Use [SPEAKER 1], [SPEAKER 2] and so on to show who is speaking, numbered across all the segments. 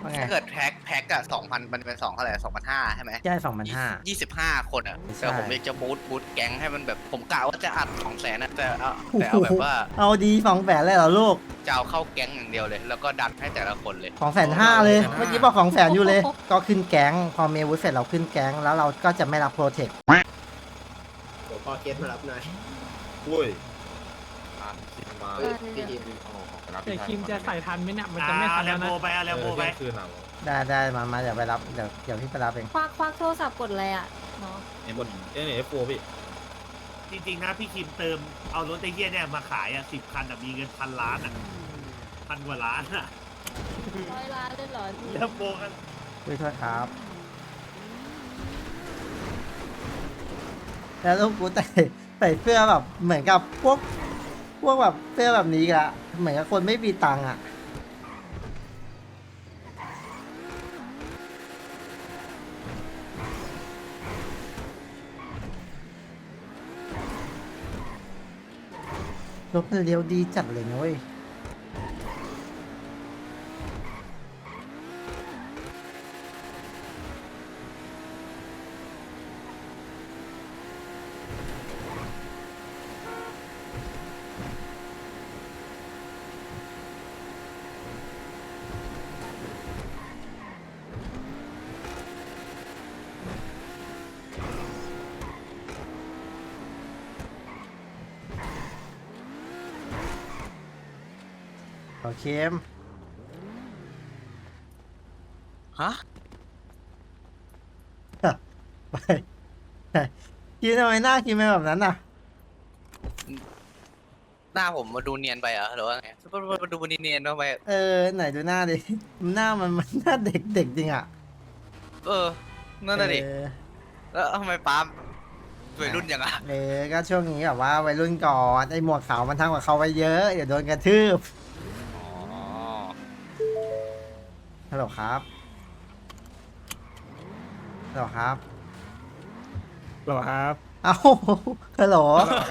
[SPEAKER 1] ว่าไง
[SPEAKER 2] ถ้าเกิดแพ็กอะ2,000มันเป็น2เท่าไหร่2,500ใช่ไหม
[SPEAKER 1] ใช่2,500
[SPEAKER 2] 25 คนอะแต่
[SPEAKER 1] ใช่
[SPEAKER 2] ผมอยากจะบูทแก๊งให้มันแบบผมกะว่าจะอัด200,000นะ
[SPEAKER 1] โอ้
[SPEAKER 2] แต่
[SPEAKER 1] โห
[SPEAKER 2] เอาแบบว่า
[SPEAKER 1] เอาดี200,000เลยเหรอลูก
[SPEAKER 2] จะเอาเข้าแก๊งอย่างเดียวเลย แล้วก็ดันให้แต่ละคนเลย
[SPEAKER 1] 250,000เลยเมื่อกี้บอก200,000อยู่เลยก็ขึ้นแก๊งพอเมวุฒเสร็จเราขึ้นแก๊งแล้วเราก็จะไม่รับโปรเทค
[SPEAKER 3] เดี๋ยวพอเกตมารับหน่อย
[SPEAKER 4] อุ้ย
[SPEAKER 3] เฮ้ยพี่ดิม
[SPEAKER 5] แต่คิมจะใส่ทันไหมเนี่ยมันจะไม่ทันแล้วนะ
[SPEAKER 4] แลมโบไปคืนหนัง
[SPEAKER 1] ได้มาเดี๋ยวไปรับเดี๋ยวพี่ไปรับเอง
[SPEAKER 6] ควักโทรศัพท์กดอะไรอ่ะเนาะ
[SPEAKER 4] กดF4พี่
[SPEAKER 7] จริงๆนะพี่คิมเติมเอารถไอ้เหี้ยเนี่ยมาขายอ่ะ10 คันอ่ะมีเงิน1,000 ล้านอ่ะ1,000 กว่าล้านอ่ะ
[SPEAKER 6] 100 ล้านเลยเหรอพี่
[SPEAKER 7] แล้วโบกัน
[SPEAKER 1] ด้วยโทษครับแล้วลูกกูใส่เสื้อแบบเหมือนกับพวกแบบเสื้อแบบนี้อะเหมือนกับคนไม่มีตังค์อะรถมันเลี้ยวดีจัดเลยนะเว้ยโอเคม
[SPEAKER 2] ฮะ
[SPEAKER 1] ไปคิดทำไมหน้าคิดเป็นแบบนั้นน่ะ
[SPEAKER 2] หน้าผมมาดูเนียนไปเหรอหรือว่าไงมาดูเนียนๆทำไม
[SPEAKER 1] ไหนดูหน้าดิ หน้ามันหน้าเด็กจริงอ่ะ
[SPEAKER 2] นั่นน่ะดิ
[SPEAKER 1] เออ
[SPEAKER 2] แล้วทำไมป๊าวัยรุ่นอย่างอ่ะ
[SPEAKER 1] ก็ช่วงนี้แบบว่าวัยรุ่นก่อนไอ้หมวกขาวมันทำกับเขาไว้เยอะเดี๋ยวโดนกระทืบ
[SPEAKER 2] อ๋อ
[SPEAKER 1] ฮัลโหลครับฮัลโหลครับ
[SPEAKER 5] หรอครับ
[SPEAKER 1] เอ้าฮัลโหล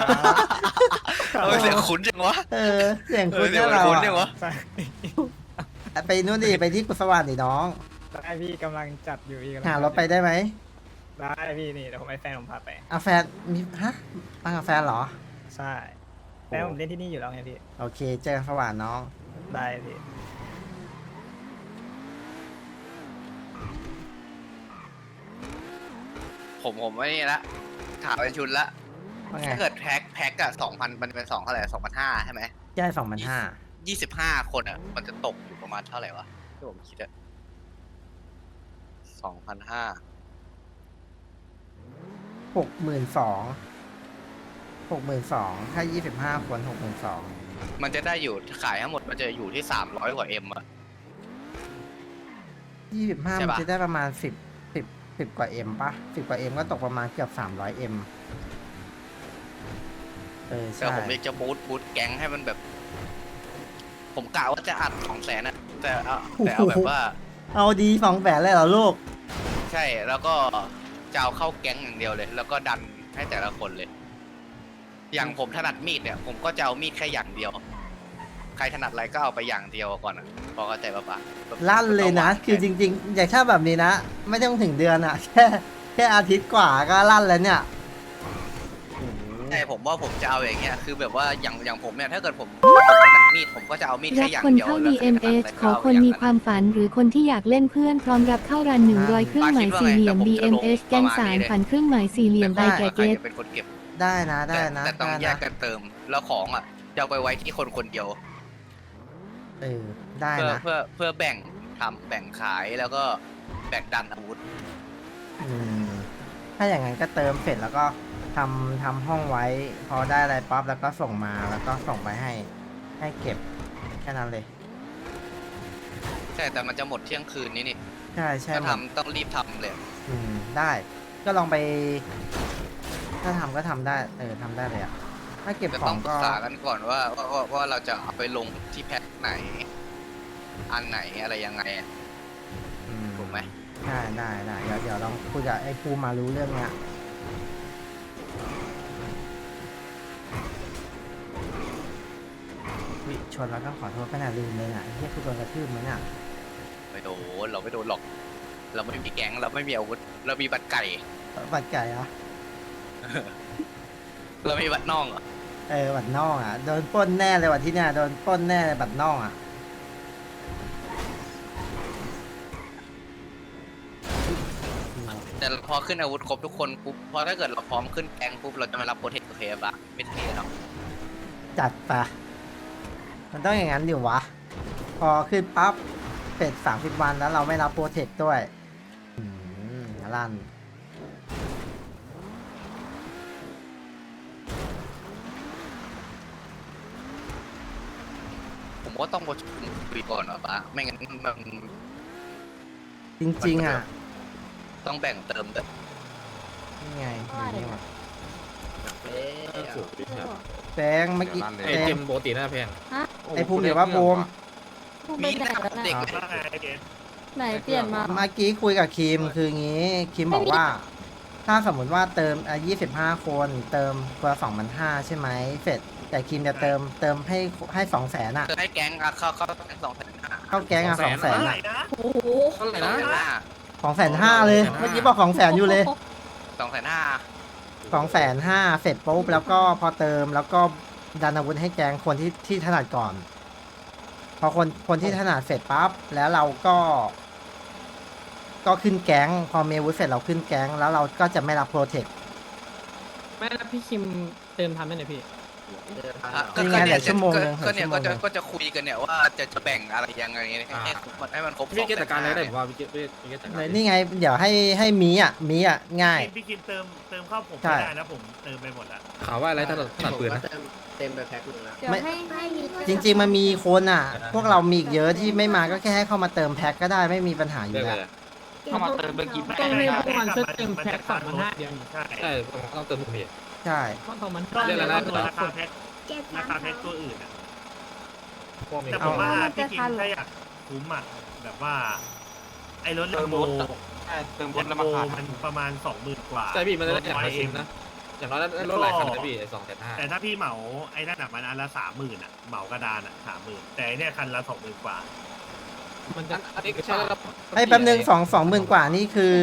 [SPEAKER 2] เสียงคุ้นจังวะ
[SPEAKER 1] เสียงคุณ
[SPEAKER 2] เสีย
[SPEAKER 1] เนี่ย
[SPEAKER 2] ง
[SPEAKER 1] เรา
[SPEAKER 2] คุ้นจังวะ
[SPEAKER 5] ใช่
[SPEAKER 1] ไปนู่นดิไปที่กุศวรรค์ดิน้อง
[SPEAKER 5] ได้พี่กำลังจัดอยู่อีก
[SPEAKER 1] หารถไปได้ไหม
[SPEAKER 5] ได้พี่นี่เดี๋ยวผมให้แฟนผมพาไป
[SPEAKER 1] เอาแฟนมีฮะมากับแฟนเหรอ
[SPEAKER 5] ใช่แฟนผมเล่นที่นี่อยู่แล้วไงพี่
[SPEAKER 1] โอเคเจอกันสว่างน้อง
[SPEAKER 5] ได้พี่
[SPEAKER 2] ผมไม่นี่ละถามเป็นชุดละ
[SPEAKER 1] ว่าไง
[SPEAKER 2] ถ้าเกิดแพ็กอะ2,000มันเป็น2เท่าไหร่2,500ใช่ไหม
[SPEAKER 1] ใช่2,500
[SPEAKER 2] 25 คนอะมันจะตกอยู่ประมาณเท่าไหร่วะที่ผมคิดอะ2,500
[SPEAKER 1] 62,000ถ้า25 คน62,000
[SPEAKER 2] มันจะได้อยู่ขายทั้งหมดมันจะอยู่ที่300 กว่าเอ็มอะ
[SPEAKER 1] 25
[SPEAKER 2] ใช่
[SPEAKER 1] มัน
[SPEAKER 2] ปะ
[SPEAKER 1] จะได้ประมาณ10 กว่าเอ็มป่ะ10 กว่าเอ็มก็ตกประมาณเกือบ300เอ็ม
[SPEAKER 2] แต่
[SPEAKER 1] ใช่
[SPEAKER 2] ผมอยากจะบูทแก๊งให้มันแบบ ผมกะว่าจะอัด200,000นะแต่เอาแบบว่า
[SPEAKER 1] เอาดี200,000เลยเหรอลูก
[SPEAKER 2] ใช่แล้วก็จะเอาเข้าแก๊งอย่างเดียวเลย แล้วก็ดันให้แต่ละคนเลย อย่างผมถนัดมีดเนี่ย ผมก็จะเอามีดแค่อย่างเดียว ใครถนัดอะไรก็เอาไปอย่างเดียวก่อนอ่ะพอเข้าใจปะแบบ
[SPEAKER 1] ลั่นเลยนะ คือจริงๆ อย่างถ้าแบบนี้นะ ไม่ต้องถึงเดือนอะ แค่อาทิตย์กว่าก็ลั่นแล้วเนี่ย
[SPEAKER 2] ใช่ผมว่าผมจะเอาอย่างเงี้ยคือแบบว่าอย่างผมเนี่ยถ้าเกิดผมถนัดมีดผมก็จะเอามีด
[SPEAKER 8] รั
[SPEAKER 2] แค่
[SPEAKER 8] บ
[SPEAKER 2] อย่าง
[SPEAKER 8] คน
[SPEAKER 2] เดียว
[SPEAKER 8] เข้า
[SPEAKER 2] แล้วใครถนัด
[SPEAKER 8] DMS
[SPEAKER 2] อะไร
[SPEAKER 8] ข
[SPEAKER 2] ก็
[SPEAKER 8] อ
[SPEAKER 2] เอา
[SPEAKER 8] คน
[SPEAKER 2] อย่าง
[SPEAKER 8] มี
[SPEAKER 2] นั้น
[SPEAKER 8] ความฝันหรือคนที่อยากเล่นเพื่อนพร้อมรับเข้ารัน100เครื่องหมายสี่เหลี่ยม BMS แกงสารฝันเครื่องหมายสี่เหลี่ยมใบ
[SPEAKER 2] แต่
[SPEAKER 8] แก่
[SPEAKER 2] ว่าใคร
[SPEAKER 8] เกต
[SPEAKER 2] จะเป็นคนเก็บ
[SPEAKER 1] ได้นะได้นะ
[SPEAKER 2] แต่ต้อง
[SPEAKER 1] ได้
[SPEAKER 2] แย
[SPEAKER 1] นะ
[SPEAKER 2] กกันเติมแล้วของอ่ะจะเอาไปไว้ที่คนคนเดียว
[SPEAKER 1] ได้นะ
[SPEAKER 2] เพื่อแบ่งขายแล้วก็แบ่งดันอาวุธ
[SPEAKER 1] ถ้าอย่างนั้นก็เติมเสร็จแล้วก็ทำห้องไว้ พอได้อะไรปั๊บแล้วก็ส่งมาแล้วก็ส่งไปให้เก็บแค่นั้นเลย
[SPEAKER 2] ใช่แต่มันจะหมดเที่ยงคืนนี้นี่
[SPEAKER 1] ใช่ใช่
[SPEAKER 2] ถ้า
[SPEAKER 1] หมด
[SPEAKER 2] ทำต้องรีบทำเลย
[SPEAKER 1] ได้ ก็ลองไป ถ้าทำก็ทำได้ทำได้เลยอะถ้าเก็บ
[SPEAKER 2] จะ
[SPEAKER 1] ข
[SPEAKER 2] ต้
[SPEAKER 1] อ
[SPEAKER 2] อง งปรึ
[SPEAKER 1] ก็
[SPEAKER 2] กษากันก่อนว่าเราจะเอาไปลงที่แพ็คไหน อันไหนอะไรยังไงอะถูกไหม
[SPEAKER 1] ได้เดี๋ยวลองคุยกับไอ้ภูมารู้เรื่องเนี้ยวิชนแล้วต้องขอโทษขนาดลืมเลยอ่ะไอ้เหี้ยคือโดนกระทืบมั้ยเนี่ย
[SPEAKER 2] ไม่โดนเราไม่โดนหรอก เราไม่มีแก๊งเราไม่มีอาวุธเรามีบัตรไก่
[SPEAKER 1] บัตรไก่เหรอ
[SPEAKER 2] เรามีบัตรน่องเหรอ
[SPEAKER 1] บัตรน่องอ่ะโดนปล้นแน่เลยวันที่เนี่ยโดนปล้นแน่เลยบัตรน่องอ่ะ
[SPEAKER 2] แต่พอขึ้นอาวุธครบทุกคนปุ๊บพอถ้าเกิดเราพร้อมขึ้นแก๊งปุ๊บเราจะมารับโปรเทคโอเคปะไม่เท่หรอก
[SPEAKER 1] จัดไปมันต้องอย่างนั้นดิวะ พอขึ้นปั๊บเป็ด30 วันแล้วเราไม่รับโปรเทคด้วยลั่น
[SPEAKER 2] ผมก็ต้องประชุมคุยก่อนหรอปะไม่งั้นมัน
[SPEAKER 1] จริงๆอ่ะ
[SPEAKER 2] ต้องแบ่งเติมแต่
[SPEAKER 1] นี่ไงอยู่นี่ว่ะ
[SPEAKER 3] เอ๊ะ
[SPEAKER 4] สูงพี่ครับ
[SPEAKER 1] แบงค์เมื่อกี้
[SPEAKER 4] ไอ้
[SPEAKER 1] แบ
[SPEAKER 4] เก
[SPEAKER 1] ง
[SPEAKER 4] ม
[SPEAKER 1] ค์
[SPEAKER 4] ปกติน่าแพง
[SPEAKER 1] ไอ้ภูมิเดี๋ยวว่าภูมิ
[SPEAKER 6] พูดไปไหนแล้ว
[SPEAKER 2] เด็ก
[SPEAKER 6] นะ
[SPEAKER 7] ว่าไงไอ้เกส
[SPEAKER 6] ไหนเปลี่ยนมา
[SPEAKER 1] เมื่อกี้คุยกับคิมคืองี้คิมบอกว่า ถ้าสมมุติว่าเติม25 คนเติมคนละ2,500ใช่ไหมเสร็จแต่คิมจะเติมให้200,000อ่ะ
[SPEAKER 2] จะให้แก๊งอะเข้าแก๊ง2,500
[SPEAKER 1] เข้าแก๊งอ่ะ
[SPEAKER 7] เท่า
[SPEAKER 1] 200,000
[SPEAKER 7] ไหร่
[SPEAKER 1] อ่ะ
[SPEAKER 7] นะ
[SPEAKER 6] โอ้โห
[SPEAKER 4] เท่าไหร่นะ
[SPEAKER 1] 250,000เลยเมื่อกี้บอก200,000อยู่เลย
[SPEAKER 2] 2,500
[SPEAKER 1] 250,000เสร็จปุ๊บแล้วก็พอเติมแล้วก็ดันอาวุธให้แก๊งคนที่ถนัดก่อน พอคนที่ถนัดเสร็จปั๊บแล้วเราก็ขึ้นแก๊งพอมีอาวุธเสร็จเราขึ้นแก๊งแล้วเราก็จะไม่รับโปรเทค
[SPEAKER 5] ไม่แล้วพี่คิมเติมทันไหมเนี่ยพี่
[SPEAKER 1] นี่ไงเหลือชั่วโมงนึง
[SPEAKER 2] ก็เนี่ย
[SPEAKER 1] เหลือชั่วโมงนึง
[SPEAKER 2] ก็จะคุยกันเนี่ยว่าจะแบ่งอะไรยังไงให้มันครบ
[SPEAKER 4] พี่เกตจัดการอะไรได้ผมว่าพี่เกตจัดการ
[SPEAKER 1] เลยนี่ไงเดี๋ยวให้มีอ่ะง่าย
[SPEAKER 7] พี่คิมเติมเข้าผม
[SPEAKER 1] ใช่
[SPEAKER 7] ไม่ได้นะผมเติมไปหมดแล้ว
[SPEAKER 4] ข่าวว่าอะไรถนัดปืนนะ
[SPEAKER 3] เต็มไปแพ็คหนึงแล้ว
[SPEAKER 6] เดี๋ยวให้มี
[SPEAKER 1] จริง ๆมันมีคนอ่ะ พวกเรามีอีกเยอะที่ไม่มาก็แค่ให้เข้ามาเติมแพ็คก็ได้ไม่มีปัญหาอยู่
[SPEAKER 4] เรื่อง
[SPEAKER 1] แล้
[SPEAKER 4] อะ
[SPEAKER 1] ว
[SPEAKER 4] ไร
[SPEAKER 5] เข้ามาเติมเบอร์กี่ต้องให้พวกมันช่วยเติมแพ็ค2,500เดียว
[SPEAKER 7] ใช่
[SPEAKER 4] ใช่ต้องเติมผมพี่
[SPEAKER 1] ใช่
[SPEAKER 5] เพราะ2,500
[SPEAKER 7] ต้อง
[SPEAKER 4] เรียกอะไรนะ
[SPEAKER 7] ตัวราคาแพ็คตัวอื่นอะ
[SPEAKER 4] พวกมี
[SPEAKER 7] แต่ผมว่าพี่คิมถ้าอยากคุ้มอะแบบว่า ไอ้รถเลมโบ
[SPEAKER 5] เติม
[SPEAKER 7] เลมโบมันประมาณ 20,000 กว่า
[SPEAKER 4] ใช่พี่มันได้อย่างละ
[SPEAKER 7] เอ
[SPEAKER 4] ชิ้
[SPEAKER 7] ง
[SPEAKER 4] นนะอย่างน้อยได้รถหลายคันนะพี่2,500
[SPEAKER 7] แต่ถ้าพี่เหมาไอ้นั่นอะมันอันละ30,000อะเหมากระดานอะ30,000แต่ไอ้เนี่ยคันละ20,000 กว่า
[SPEAKER 5] มันจะ
[SPEAKER 4] อันนี้ก็ใช่แล้ว
[SPEAKER 1] ไอ้แป๊บนึง20,000 กว่านี่คือ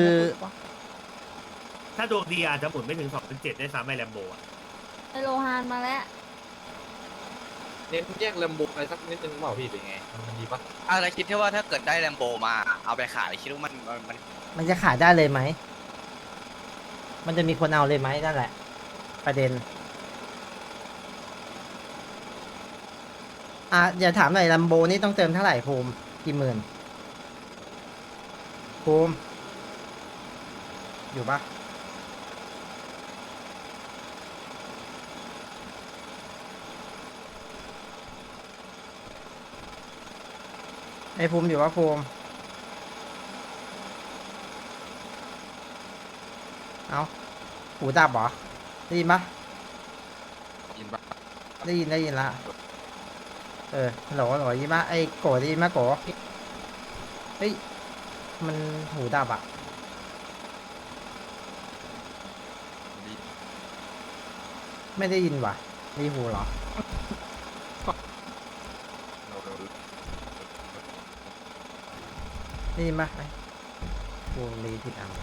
[SPEAKER 7] ถ้าดวงดีอาจจะหมุนไม่ถึง2,700ได้ซ้ำไอ้แลมโบอะ
[SPEAKER 6] ไอโลฮานมาแล้ว
[SPEAKER 4] เน้นแยกลำบุกอะไรสักนิดนึงเปล่าพี่เป็นไงมันดีปะ
[SPEAKER 2] อะไรคิดที่ว่าถ้าเกิดได้แลมโบมาเอาไปขายคิดว่ามัน
[SPEAKER 1] มันจะขายได้เลยไหมมันจะมีคนเอาเลยไหมนั่นแหละ ประเด็นอย่าถามหน่อยลัมโบนี่ต้องเติมเท่าไหร่ภูมิกี่หมื่นภูมิอยู่ปะไอ้ภูมิอยู่ปะภูมิเอาหูดับเหรอได้ยินปะ
[SPEAKER 4] ยินปะ
[SPEAKER 1] ได้ยินละฮัลโหลยินปะไอ้โกได้ยินปะโกเฮ้ยมันหูดับอ่ะไม่ได้ยินว่ะมีหูเหรอได้ยินปะไอ้ภูมิรีผิดอัน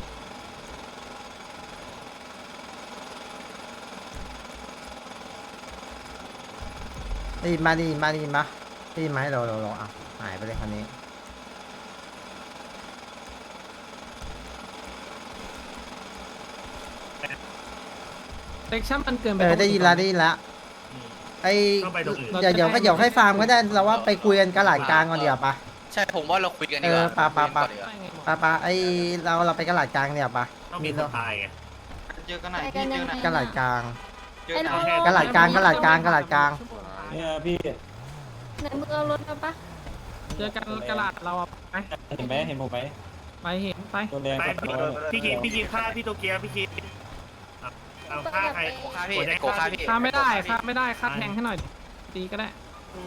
[SPEAKER 1] ได้ยินมาได้ยินไหมเราอ่ะหายไปเลยคันนี้
[SPEAKER 5] เซ็กชั่นมันเกินไป
[SPEAKER 1] ได้ยินละ
[SPEAKER 7] อืม
[SPEAKER 1] ไอ้
[SPEAKER 7] ต้องไปตรงอื่น
[SPEAKER 1] เดี๋ยวให้ฟาร์มก็ได้เราว่าไปคุยกันกระหลาดกลางก่อนเดี๋ยวปะ
[SPEAKER 2] ใช่ผมว่าเราคุยกันดีกว่า
[SPEAKER 1] ปะ
[SPEAKER 2] คุยกันก่อนดีกว่า
[SPEAKER 1] ปะไอ้เราไปกระหลาดกลางเดี๋ยวปะ
[SPEAKER 7] ต้องมีคนตายไง
[SPEAKER 6] เจอกันไหนพี่เจอไหน
[SPEAKER 1] กระหลาดกลาง
[SPEAKER 6] ไอ้โล
[SPEAKER 1] กระหลาดกลาง
[SPEAKER 6] เนี่ยพี่ ไหนมึงเอารถมาปะ
[SPEAKER 5] เจอกันกระดาษเราไป
[SPEAKER 9] เห็นไหมเห็นผมไหม
[SPEAKER 5] ไปเห็นไป
[SPEAKER 9] ตัวแดง
[SPEAKER 7] ไป
[SPEAKER 9] กับตัว
[SPEAKER 7] พี่คิมฆ่าพี่โตเกียวพี่คิมเอาฆ่าใคร
[SPEAKER 2] โกค่าพี่
[SPEAKER 7] โกแดง
[SPEAKER 2] โกค่าพี่
[SPEAKER 5] ค่าไม่ได้ค่าแทงให้หน่อยตีก็ได้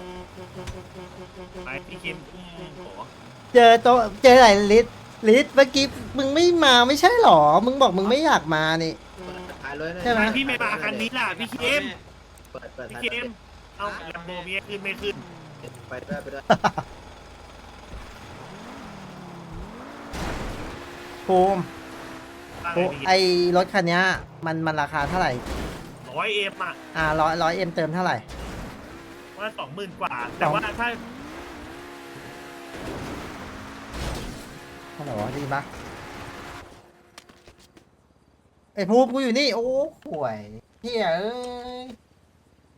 [SPEAKER 7] ไปพี่คิมโอ้
[SPEAKER 1] เจอไหนลิศเมื่อกี้มึงไม่มาไม่ใช่หรอมึงบอกมึงไม่อยากมานี่
[SPEAKER 3] ถ่ายรถ
[SPEAKER 1] ใช่ไหม
[SPEAKER 7] พี่ไม่มาคันนี้ล่ะพี่คิม
[SPEAKER 3] เปิด
[SPEAKER 7] พี่
[SPEAKER 3] ถ่าย
[SPEAKER 7] คิมเอาแลมโบมีขึ้นไม่ขึ้น
[SPEAKER 3] ไปด้วย
[SPEAKER 1] ภูมิ
[SPEAKER 7] ว่า
[SPEAKER 1] ภู
[SPEAKER 7] ไง
[SPEAKER 1] มิ
[SPEAKER 7] พี่
[SPEAKER 1] ไอรถคันเนี้ยมันราคาเท่าไหร่
[SPEAKER 7] 100M อ่ะ
[SPEAKER 1] ร้อยเอ็มเติมเท่าไหร่
[SPEAKER 7] ว่า20,000 กว่า แต่ว่าถ้า
[SPEAKER 1] ฮัลโหลดีปะไอภูมิกูอยู่นี่ โอ้ห่วยเฮียเอ้ย